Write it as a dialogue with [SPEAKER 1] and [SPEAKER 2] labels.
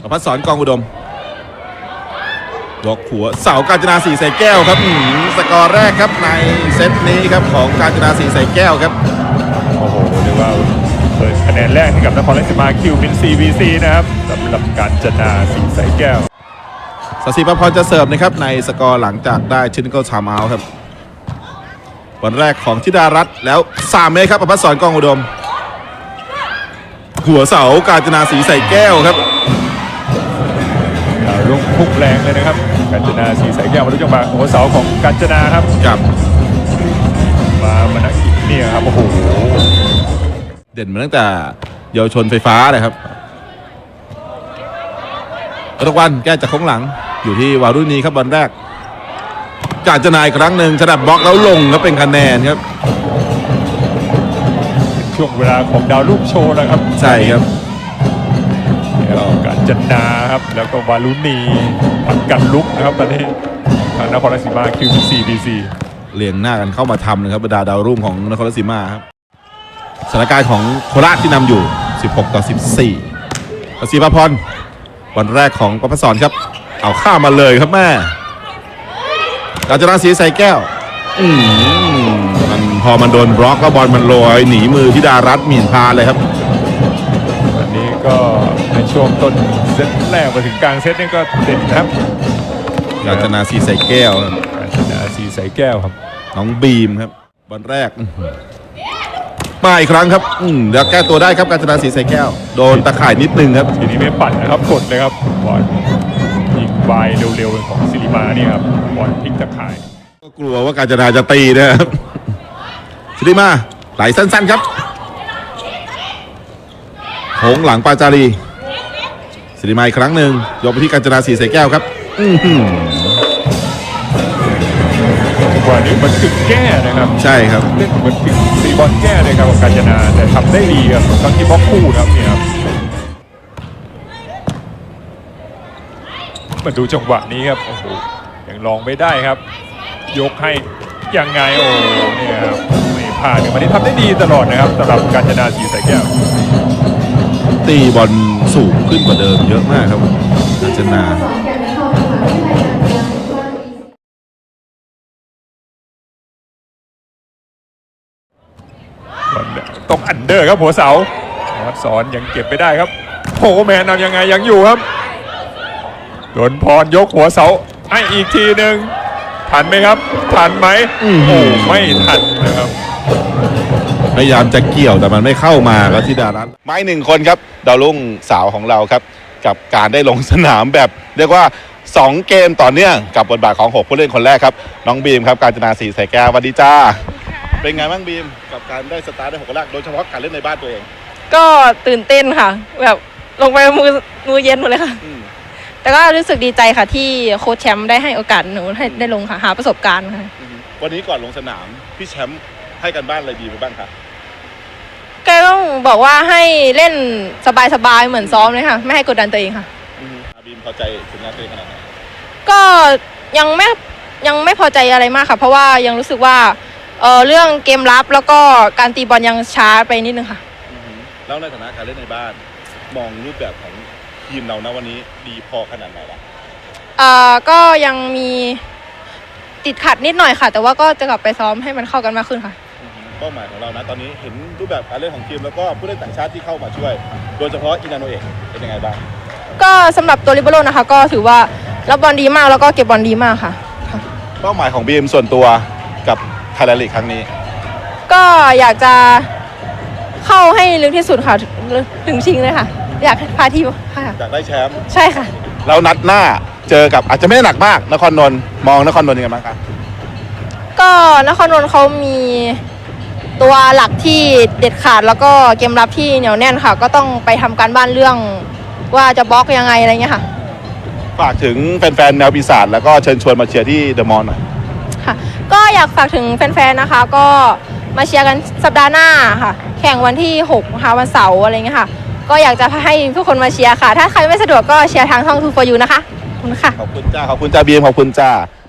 [SPEAKER 1] ประภัสสร กองอุดมยกหัวเสากาญจนาสีใส่แก้วครับสกอร์แรกครับในเซตนี้ครับของกาญจนาสีใส่แก้วครับ
[SPEAKER 2] โอ้โหเรียกว่าเปิดคะแนนแรกให้กับนครราชสีมาคิวมิน CVC นะครับสำหรับกาญจนาสีใส่แก้ว
[SPEAKER 1] ศศิประพรจะเสิร์ฟนะครับในสกอร์หลังจากได้ชินเกิลไทม์เอาท์ครับวันแรกของธิดารัตน์แล้ว3 เมตรครับประภัสสร กองอุดมหัวเสากาญจนาสีใส่แก้วครับ
[SPEAKER 2] ลูกพุ่งแรงเลยนะครับกาญจนาสีใส่แก้วมาดูจังหวะหัวเสาของกาญจนาครับมานักอีกเนี่ยครับโอ้โห
[SPEAKER 1] เด่นมาตั้งแต่เยาวชนไฟฟ้าเลยครับทุกวันแก้จากโค้งหลังอยู่ที่วารุณีครับวันแรกกาญจนาอีกครั้งหนึ่งฉลับบล็อกแล้วลงแล้วเป็นคะแนนครับ
[SPEAKER 2] ช่วงเวลาของดาวรุ่งโชว์นะครับ
[SPEAKER 1] ใช่ครับ
[SPEAKER 2] กาญจนาครับแล้วก็วารุณีผัดกันลุกนะครับตอนนี้ทางนครราชสีมาคิว CBC
[SPEAKER 1] เรียงหน้ากันเข้ามาทำนะครับบรรดาดาวรุ่งของนครราชสีมาครับสถานการณ์ของโคราชที่นำอยู่16-14ศศิประพรวันแรกของประภัสสรครับเอาข้ามาเลยครับแม่กาญจนาสีใส่แก้วมันพอมันโดนบล็อกก็บอลมันลอยหนีมือธิดารัตน์หมิ่นพาเลยครับ
[SPEAKER 2] วันนี้ก็ในช่วงต้นเซตแรกมาถึงกลางเซตนี่ก็เด่นครับ
[SPEAKER 1] กาญจนาสีใส่แก้ว
[SPEAKER 2] กาญจนาสีใส่แก้วครับ
[SPEAKER 1] น้องบีมครับวันแรกมาอีกครั้งครับเดี๋ยวแก้ตัวได้ครับกาญจนาสีใส่แก้วโดนตะข่ายนิดนึงครับ
[SPEAKER 2] ทีนี้ไม่ปั่นนะครับกดเลยครับบอลยิงวายเร็วๆของศิริมานี่ครับบอลพลิกตะข่าย
[SPEAKER 1] ก็กลัวว่ากาญจนาจะตีนะครับศิริมาไหลสั้นๆครับโค้งหลังปาจารีศิริมาอีกครั้งหนึ่งยกไปที่กาญจนาสีใส่แก้วครับ
[SPEAKER 2] วันนี้มันถึงแก้นะครับ
[SPEAKER 1] ใช่ครับ
[SPEAKER 2] เล่นเหมือนถึงตีบอลแก้เลยครับกาญจนาแต่ทำได้ดีครับทั้งที่บล็อกคู่นะครับเนี่ยครับมาดูจังหวะนี้ครับโอ้โหยังลองไม่ได้ครับยกให้ยังไงโอ้เนี่ยครับไม่พลาดวันนี้ทำได้ดีตลอดนะครับสำหรับกาญจนาสีใส่แก้ว
[SPEAKER 1] ตีบอลสูงขึ้นกว่าเดิมเยอะมากครับกาญจนา
[SPEAKER 2] ตกอันเดอร์ครับหัวเสาวัดสอนยังเก็บไม่ได้ครับโฮแมนเอายังไงยังอยู่ครับโดนพรยกหัวเสาให้อีกทีหนึ่งทันไหมครับทันไหมโอ้ไม่ทันนะครับ
[SPEAKER 1] พยายามจะเกี่ยวแต่มันไม่เข้ามาครับธิดารัตน์ไม้1 คนครับดาวรุ่งสาวของเราครับกับการได้ลงสนามแบบเรียกว่า2 เกมต่อเนื่องกับบทบาทของ6 ผู้เล่นคนแรกครับน้องบีมครับกาญจนาสีใส่แก้วสวัสดีจ้าเป็นไงบ้างบีมกับการได้สตาร์ทได้6 คนแรกโดยเฉพาะการเล่นในบ้านตัวเอง
[SPEAKER 3] ก็ตื่นเต้นค่ะแบบลงไปมือเย็นหมดเลยค่ะแต่ก็รู้สึกดีใจค่ะที่โค้ชแชมป์ได้ให้โอกาสหนูให้ได้ลงค่ะหาประสบการณ์ค่ะ
[SPEAKER 1] วันนี้ก่อนลงสนามพี่แชมป์ให้กันบ้านอะไรดีไปบ้างคะ
[SPEAKER 3] แกต้องบอกว่าให้เล่นสบายๆเหมือนซ้อมเลยค่ะไม่ให้กดดันตัวเองค่ะ
[SPEAKER 1] บีมพอใจผลงานตัวเองขนาดไหน
[SPEAKER 3] ก็ยังไม่พอใจอะไรมากค่ะเพราะว่ายังรู้สึกว่าเรื่องเกมรับแล้วก็การตีบอลยังช้าไปนิดนึงค่ะ
[SPEAKER 1] แล้วในฐานะการเล่นในบ้านมองรูปแบบของทีมเรานะวันนี้ดีพอขนาดไหนล่ะ
[SPEAKER 3] ก็ยังมีติดขัดนิดหน่อยค่ะแต่ว่าก็จะกลับไปซ้อมให้มันเข้ากันมากขึ้นค่ะ
[SPEAKER 1] เป้าหมายของเรานะตอนนี้เห็นรูปแบบการเล่นของทีมแล้วก็ผู้เล่นต่างชาติที่เข้ามาช่วยโดยเฉพาะอินาโนเอะเป็นยังไงบ้าง
[SPEAKER 3] ก็สำหรับตัวลิเบโร่นะคะก็ถือว่ารับบอลดีมากแล้วก็เก็บบอลดีมากค่ะ
[SPEAKER 1] เป้าหมายของบีมส่วนตัวกับไทยแลนด์ลีกครั้งนี้
[SPEAKER 3] ก็อยากจะเข้าให้ลึกที่สุดค่ะถึงชิงเลยค่ะอยากพาทีมค่ะ
[SPEAKER 1] อยากได้แชมป์
[SPEAKER 3] ใช่ค่ะ
[SPEAKER 1] แล้วนัดหน้าเจอกับอาจจะไม่ได้หนักมากนครนนท์มองนครนนท์ยังไงบ้างครับ
[SPEAKER 3] ก็นครนนท์เขามีตัวหลักที่เด็ดขาดแล้วก็เกมรับที่เหนียวแน่นค่ะก็ต้องไปทำการบ้านเรื่องว่าจะบล็อกยังไงอะไรเงี้ยค่ะ
[SPEAKER 1] ฝากถึงแฟนๆแนวปีศาจแล้วก็เชิญชวนมาเชียร์ที่เดอะมอลล์หน่อย
[SPEAKER 3] ค่ะก็อยากฝากถึงแฟนๆนะคะก็มาเชียร์กันสัปดาห์หน้าค่ะแข่งวันที่6ค่ะวันเสาร์อะไรเงี้ยค่ะก็อยากจะให้ทุกคนมาเชียร์ค่ะถ้าใครไม่สะดวกก็เชียร์ทางช่อง 2 for you นะคะขอบคุณค่ะ
[SPEAKER 1] ขอบคุณจ้าบีมขอบคุณจ้า